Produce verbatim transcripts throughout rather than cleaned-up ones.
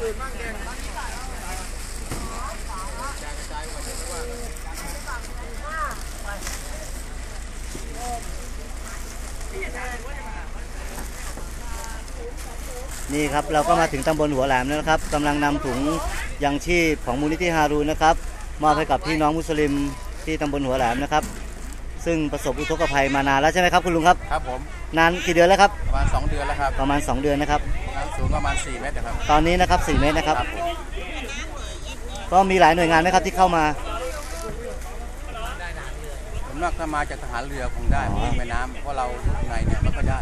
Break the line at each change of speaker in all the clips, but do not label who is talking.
นี่ครับเราก็มาถึงตำบลหัวแหลมแล้วนะครับกำลังนำถุงยังชีพของมูลนิธิฮารูนนะครับมอบให้กับพี่น้องมุสลิมที่ตำบลหัวแหลมนะครับซึ่งประสบอุทกภัยมานานแล้วใช่ไหมครับคุณลุงครับ
ครับผม
นานกี่เดือนแล้วครับ
ประมาณสองเดือนแล้วครับ
ประมาณสองเดือนนะครับ
น้ำสูงประมาณสี่เมตรนะครับ
ตอนนี้นะครับสี่เมตรนะครับก็มีหลายหน่วยงานไหมครับที่เข้ามา
ผมนอกถ้ามาจากทหารเรือคงได้แม่น้ำเพราะเราอยู่ในเนี่ยมันก็ได้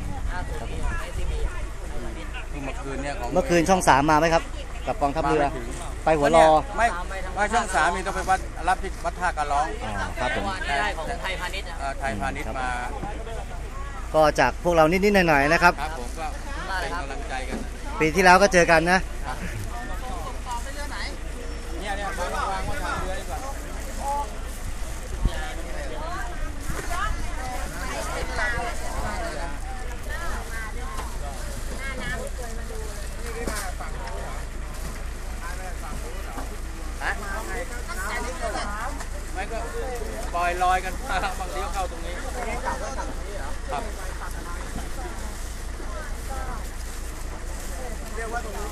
เมื่อคืนเนี่ยของ
เมื่อคืนช่องสามมาไหมครับกับกองทัพเรือไปหัวรอ
ไม่ไม่ช่องสามมีต้องไปวัดรับที่วัดท่ากระร้อง
ครับผม
ได้ของไทยพาณิชย์
ไทยพาณิชย์มา
ก็จากพวกเรานิดๆหน่อยๆนะครับ
ครับผมก็เป็นกำลังใจกัน
ปีที่แล้วก็เจอกันนะ
เนี่ยเนี่ยวางวางไว้ทางเรือดีกว่าไม่ก็ปล่อยลอยกันมาบางทีก็เข้าตรงนี้ครับเรียกว่าตรงนี้